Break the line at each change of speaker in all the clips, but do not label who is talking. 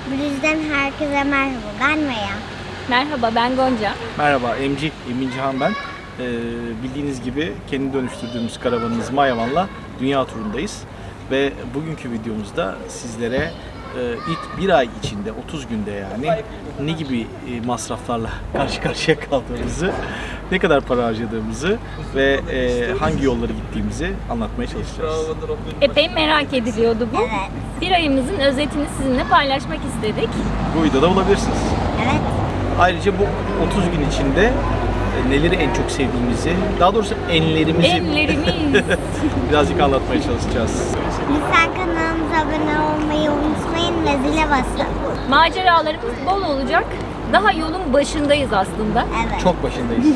Blüz'den herkese merhaba. Ben Maya.
Merhaba, ben Gonca.
Merhaba, Emin Cihan ben. Bildiğiniz gibi kendi dönüştürdüğümüz karavanımız Mayavan'la dünya turundayız. Ve bugünkü videomuzda sizlere ilk bir ay içinde, 30 günde yani ne gibi masraflarla karşı karşıya kaldığımızı, ne kadar para harcadığımızı ve hangi yolları gittiğimizi anlatmaya çalışacağız.
Epey merak ediliyordu bu.
Evet.
Bir ayımızın özetini sizinle paylaşmak istedik.
Bu videoda bulabilirsiniz.
Evet.
Ayrıca bu 30 gün içinde neleri en çok sevdiğimizi, daha doğrusu
Enlerimiz.
birazcık anlatmaya çalışacağız.
Lütfen kanalımıza abone olmayı unutmayın ve zile basın.
Maceralarımız bol olacak. Daha yolun başındayız aslında.
Evet.
Çok başındayız.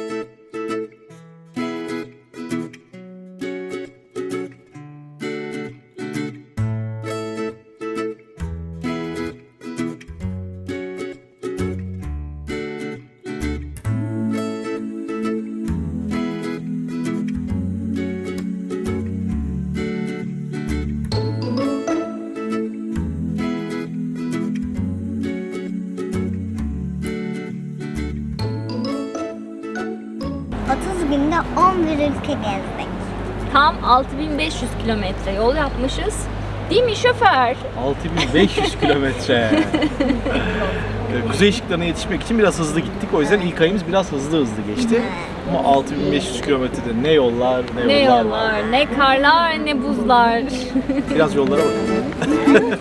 Günde 11 ülke gezdik.
Tam 6500 kilometre yol yapmışız. Değil mi şoför?
6500 kilometre. Kuzey ışıklarına yetişmek için biraz hızlı gittik. O yüzden ilk ayımız biraz hızlı geçti. Ama 6500 kilometrede ne yollar,
Ne
yollar var.
yollar, ne karlar, ne buzlar.
Biraz yollara bakalım.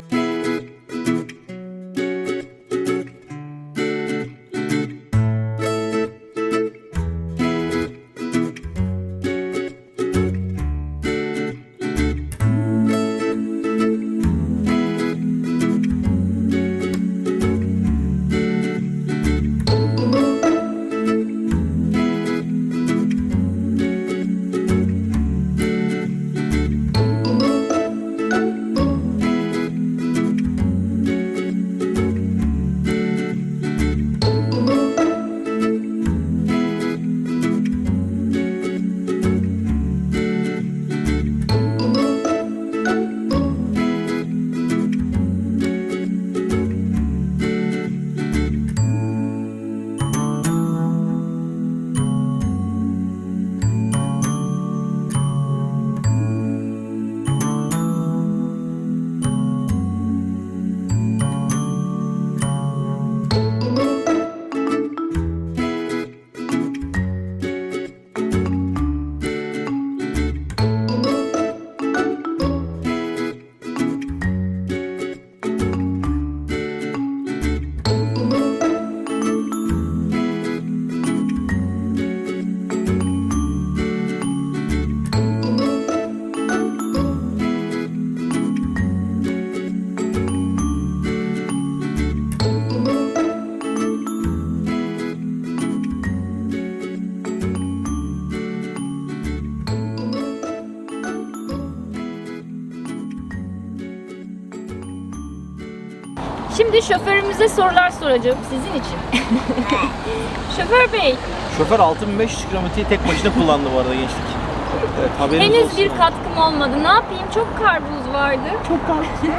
Şimdi şoförümüze sorular soracağım sizin için. Şoför bey,
Şoför 6500 kilometreyi tek başına kullandı bu arada gençlik. Evet, haberiniz
henüz
olsun.
bir katkım olmadı. Ne yapayım? Çok karbuz vardı.
Çok karşı.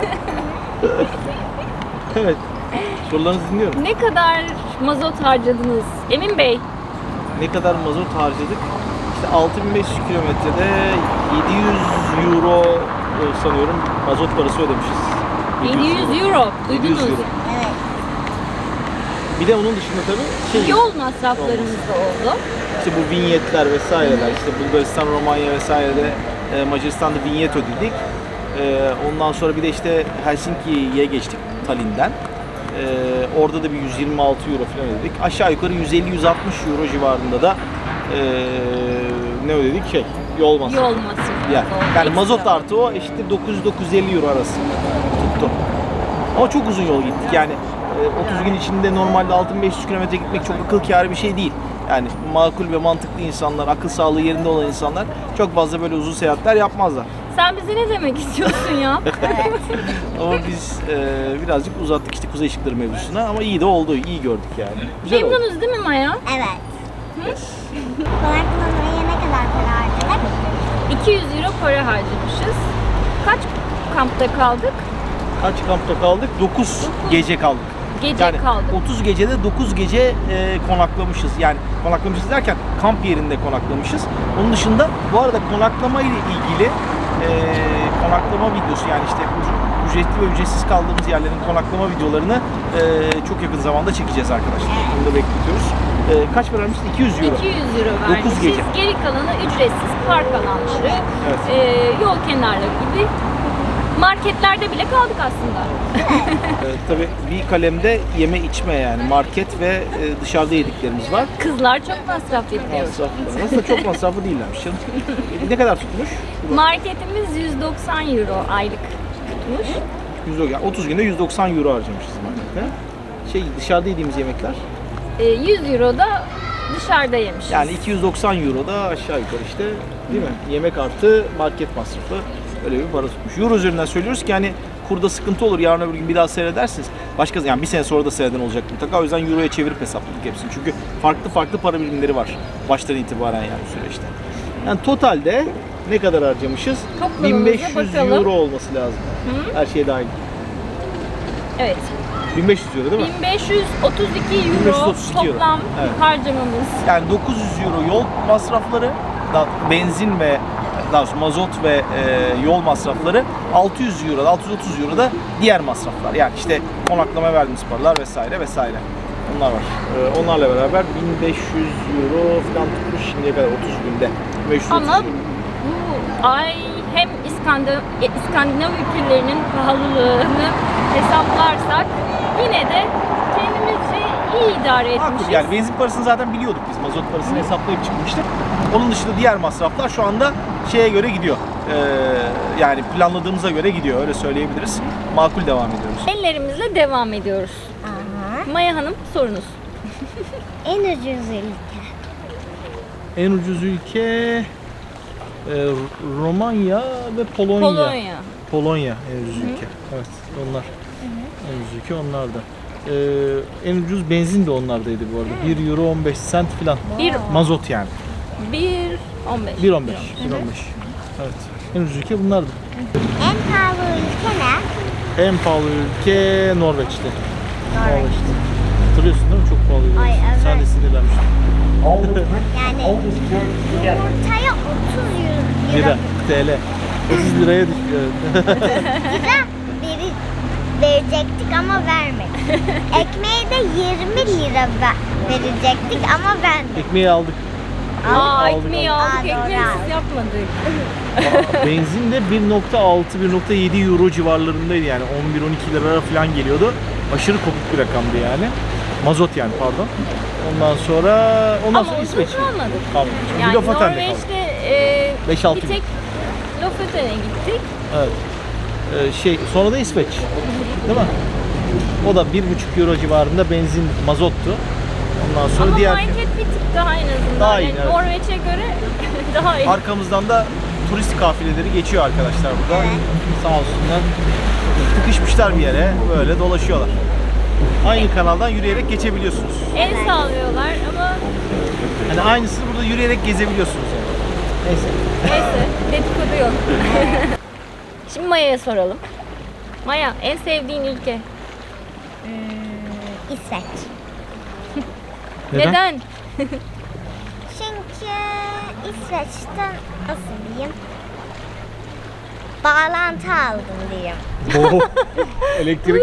Evet. Sorularınızı dinliyorum.
Ne kadar mazot harcadınız? Emin Bey,
Ne kadar mazot harcadık? İşte 6500 kilometrede 700 euro sanıyorum mazot parası ödemişiz.
700 euro.
700
Duydunuz.
euro.
Evet.
Bir de onun dışında tabii
Yol masraflarımız da oldu.
İşte bu vinyetler vesaireler, işte Bulgaristan, Romanya vesairede Macaristan'da vinyet ödedik. Ondan sonra bir de işte Helsinki'ye geçtik Tallinn'den. Orada da bir 126 euro falan ödedik. Aşağı yukarı 150-160 euro civarında da ne ödedik? Yol masrafı.
Yol masrafı.
Yani,
oldu.
yani
Ekstra.
mazot artı o eşittir 900-950 euro arası tuttu. Ama çok uzun yol gittik yani 30 gün içinde normalde 6500 kilometre gitmek çok akıl kârı bir şey değil. Yani makul ve mantıklı insanlar, akıl sağlığı yerinde olan insanlar çok fazla böyle uzun seyahatler yapmazlar.
Sen bize ne demek istiyorsun ya?
Ama biz birazcık uzattık işte kuzey ışıkları mevzusuna ama iyi de oldu, iyi gördük yani. Güzel oldu.
Memnunuz değil mi Maya?
Evet. Konaklamaya ne kadar para harcadık?
200 euro para harcamışız. Kaç kampta kaldık?
Kaç kampta kaldık? 9 gece kaldık.
Gece
Yani
kaldık.
30 gecede 9 gece konaklamışız. Yani konaklamışız derken kamp yerinde konaklamışız. Onun dışında bu arada konaklama ile ilgili konaklama videosu, yani işte ücretli ve ücretsiz kaldığımız yerlerin konaklama videolarını çok yakın zamanda çekeceğiz arkadaşlar. Onu da bekletiyoruz. Kaç para vermiştin? 200 euro.
200 euro vermişiz.
9 gece.
Geri kalanı ücretsiz park alanları, yol kenarları gibi marketlerde bile kaldık aslında.
Tabii bir kalemde yeme içme, yani market ve dışarıda yediklerimiz var.
Kızlar çok masraf ediyor.
Masraflı. Aslında çok masraflı değillermiş canım. Ne kadar tutmuş?
Marketimiz 190 euro aylık tutmuş.
Yani 30 günde 190 euro harcamışız markette. Dışarıda yediğimiz yemekler.
100 euro da dışarıda yemişiz.
Yani 290 euro da aşağı yukarı işte, değil mi? Yemek artı market masrafı, öyle bir para tutmuş. Euro üzerinden söylüyoruz ki hani kurda sıkıntı olur, yarın öbür gün bir daha seyredersiniz. Yani bir sene sonra da seyreden olacak mutlaka. O yüzden euroya çevirip hesapladık hepsini. Çünkü farklı para birimleri var baştan itibaren yani bu süreçte. Yani totalde ne kadar harcamışız?
Toplamımıza
1500
bakalım.
euro olması lazım. Her şey dahil.
Evet.
1500 euro değil mi?
1532 euro
1532 euro.
toplam
Evet.
harcamamız.
Yani 900 euro yol masrafları, benzin ve daha doğrusu mazot ve yol masrafları, 600 euro, 630 euro da diğer masraflar. Yani işte konaklama verdiğimiz paralar vesaire vesaire. Onlar var. Onlarla beraber 1500 euro falan tutmuş şimdiye kadar 30 günde. 530
Ama
euro.
bu ay hem İskandinav ülkelerinin pahalılığını hesaplarsak yine de kendimizce iyi idare etmişiz.
Haklı. Yani benzin parasını zaten biliyorduk biz. Mazot parasını hesaplayıp çıkmıştık. Onun dışında diğer masraflar şu anda şeye göre gidiyor. Yani planladığımıza göre gidiyor. Öyle söyleyebiliriz. Makul devam ediyoruz.
Ellerimizle devam ediyoruz.
Aha.
Maya Hanım sorunuz.
En ucuz ülke.
En ucuz ülke Romanya ve Polonya. Polonya en ucuz ülke. Evet, onlar. En ucuz ülke onlar da. En ucuz benzin de onlardaydı bu arada. 1 euro 15 cent falan. Mazot yani.
1.15.
1.15. Evet. En ucuz ülke bunlardı.
En pahalı ülke ne?
En pahalı ülke Norveç'ti.
Norveç.
Hatırlıyorsun değil mi? Çok pahalıydı.
Ay, evet.
Sen de sinirlenmiştin.
Yani yumurtaya 30 euro
Lira, TL. 30 liraya düşüyor.
verecektik ama vermedik. Ekmeğe de 20 lira verecektik ama vermedik.
Ekmeği aldık.
Ekmeği aldık,
Aa, doğru.
ekmeğisiz yapmadık.
Benzin de 1.6-1.7 euro civarlarındaydı, yani 11-12 lira falan geliyordu. Aşırı kopuk bir rakamdı yani. Mazot yani, pardon. Ondan sonra İsveç.
Kalmadık.
Bir
Yani
Lofoten'de kaldık.
Norveç'te
5-6
bir tek Lofoten'e gittik.
Evet. Sonra da İsveç. Değil mi? O da 1.5 euro civarında benzin, mazottu. Ondan sonra
Ama
diğer
market bir tık daha en azından.
Daha iyi,
Yani
evet.
Norveç'e göre daha iyi.
arkamızdan da turist kafileleri geçiyor arkadaşlar burada. Sağ olsunlar. Tıkışmışlar bir yere, böyle dolaşıyorlar. Aynı kanaldan yürüyerek geçebiliyorsunuz.
El sağlıyorlar ama
Hani aynısını burada yürüyerek gezebiliyorsunuz yani. Neyse.
neyse dedikodu yok. Şimdi Maya'ya soralım. Maya, en sevdiğin ülke?
İsveç.
Neden?
Çünkü İsveç'ten nasıl diyeyim? Bağlantı aldım diyeyim.
Oo, elektrik.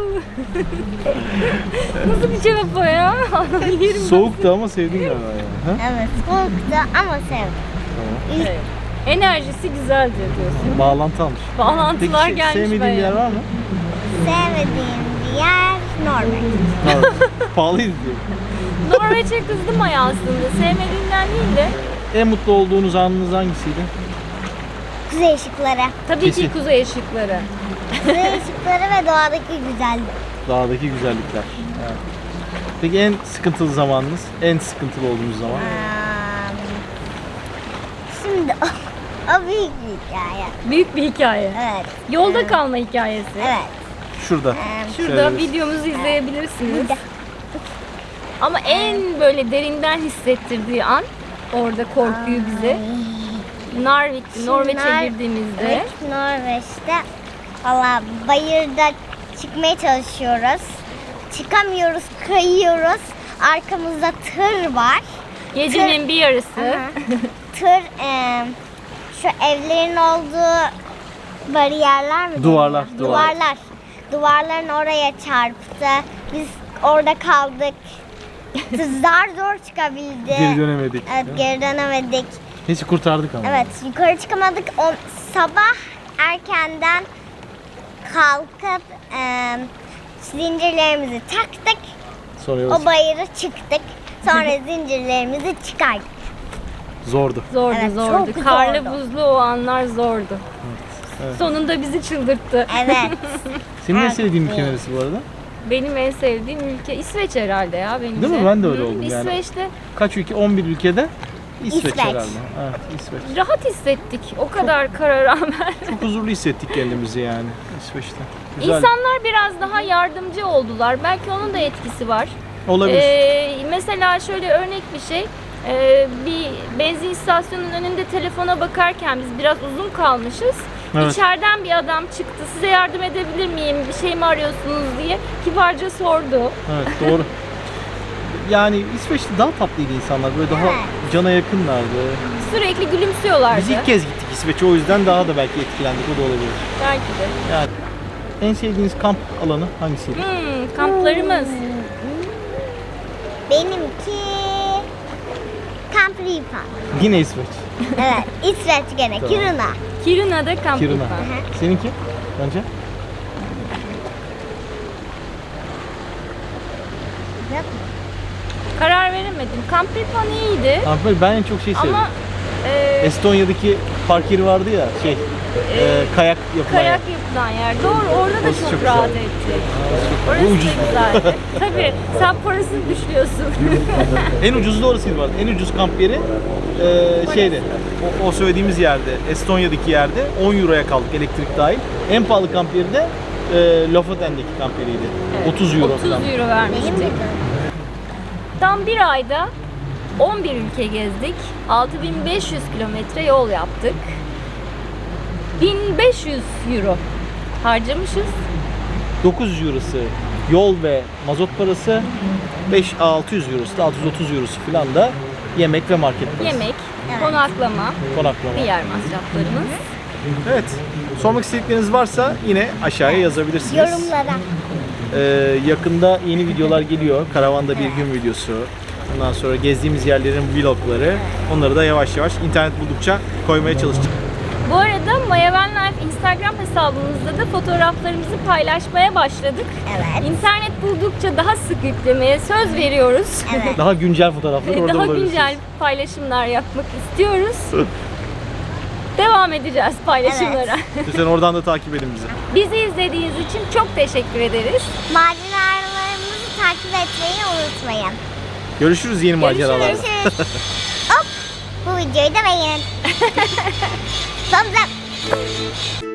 Nasıl bir cevap o ya? Yerim.
Soğuktu ama sevdin galiba yani. Ha?
Evet, soğuktu ama sevdim.
Tamam.
Evet. Enerjisi güzeldi diyorsun.
Bağlantı almış.
Bağlantılar
Peki
gelmiş
sevmediğin bir
bayağı.
yer var mı?
Sevmediğim bir yer Norveç.
Pahalıydı diyor.
Norveç'e kızdım Maya aslında. Sevmediğinden değil de.
En mutlu olduğunuz anınız hangisiydi?
Kuzey ışıkları.
Tabii
Kesin.
ki kuzey ışıkları.
Kuzey ışıkları ve doğadaki güzellik.
Dağdaki güzellikler. Evet. Peki en sıkıntılı zamanınız? En sıkıntılı olduğunuz zaman?
Şimdi o büyük bir hikaye.
Büyük bir hikaye.
Evet.
Yolda kalma hikayesi.
Evet.
Şurada.
Şurada
Şöyle bir-
videomuzu izleyebilirsiniz.
Burada.
Ama en böyle derinden hissettirdiği an orada korkuyu bize. Norveç'e
Nor-
girdiğimizde
Evet, Norveç'te Valla bayırda çıkmaya çalışıyoruz. Çıkamıyoruz, kayıyoruz. Arkamızda tır var.
Gecenin bir yarısı.
Aha. Tır şu evlerin olduğu bariyerler mi?
Duvarlar,
deniyor? Duvarların oraya çarptı. Biz orada kaldık. Zar zor çıkabildi.
Geri dönemedik.
Evet, geri dönemedik.
Neyse kurtardık ama.
Evet, yukarı çıkamadık. Sabah erkenden kalkıp zincirlerimizi taktık.
Sonra yola
O bayırı çıktık. Sonra zincirlerimizi çıkardık.
Zordu.
Zordu,
Evet,
zordu.
çok
Karlı
zordu.
buzlu o anlar zordu.
Evet.
Sonunda bizi çıldırttı.
Evet.
Senin en
Evet.
sevdiğin ülke neresi bu arada?
Benim en sevdiğim ülke İsveç herhalde ya benim
Değil mi? Ben de öyle oldum yani.
İsveç'te
Kaç ülke? 11 ülkede İsveç
İsveç.
herhalde. Evet, İsveç.
rahat hissettik. O kadar kara rağmen.
Çok huzurlu hissettik kendimizi yani İsveç'te. Güzel.
İnsanlar biraz daha yardımcı oldular. Belki onun da etkisi var.
Olabilir.
Mesela şöyle örnek bir şey. Bir benzin istasyonunun önünde telefona bakarken biz biraz uzun kalmışız.
Evet.
İçeriden bir adam çıktı. Size yardım edebilir miyim? Bir şey mi arıyorsunuz diye kibarca sordu.
Evet, doğru. Yani İsveç'te daha tatlıydı insanlar. Böyle daha
Evet.
cana yakınlardı.
Sürekli gülümsüyorlardı.
Biz ilk kez gittik İsveç'e, o yüzden daha da belki etkilendik. O da olabilir.
Belki de.
Yani en sevdiğiniz kamp alanı hangisiydi?
Kamplarımız.
Benimki Camp Ripa.
Yine İsveç.
Evet, İsveç gene,
Tamam.
Kiruna.
Kiruna'da kamp
Kiruna.
yapan.
Seninki? Bence?
Karar veremedim. Kamp yapan iyiydi.
Kamp ben en çok şey sevdim.
Ama
Estonya'daki park yeri vardı ya, kayak yapılan
kayak
yer.
yapılan yer. Doğru, orada da
Orası
çok,
çok
rahat
güzel.
ettik.
Bu
Orası
ucuz.
da güzeldi. Tabii, sen parasını düşüyorsun.
En ucuzu da orasıydı var. En ucuz kamp yeri şeyde. O söylediğimiz yerde, Estonya'daki yerde 10 euroya kaldık elektrik dahil. En pahalı kamp yeri de Lofoten'deki kamp yeriydi. 30 euro
30
falan.
euro
Benim
vermiştik.
de.
Tam bir ayda 11 ülke gezdik. 6500 kilometre yol yaptık. 1500 euro harcamışız.
900 eurosu yol ve mazot parası, 600 eurosu da 630 eurosu falan da yemek ve market parası.
Yemek,
Evet.
konaklama,
Konaklama.
diğer masraflarımız.
Evet. Sormak istedikleriniz varsa yine aşağıya yazabilirsiniz.
Yorumlara.
Yakında yeni videolar geliyor. Karavanda bir gün videosu. Ondan sonra gezdiğimiz yerlerin vlogları. Onları da yavaş yavaş internet buldukça koymaya çalışacağım.
Bu arada Maya Van Life Instagram hesabımızda da fotoğraflarımızı paylaşmaya başladık.
Evet.
İnternet buldukça daha sık yüklemeye söz veriyoruz.
Evet.
Daha güncel fotoğrafları orada
Daha
bulabilirsiniz.
güncel paylaşımlar yapmak istiyoruz. Devam edeceğiz paylaşımlara.
Lütfen oradan da takip edin bizi.
Bizi izlediğiniz için çok teşekkür ederiz.
Maceralarımızı takip etmeyi unutmayın.
Görüşürüz yeni maceralarda.
Görüşürüz. Hop, bu videoyu da beğenin. Thumbs up.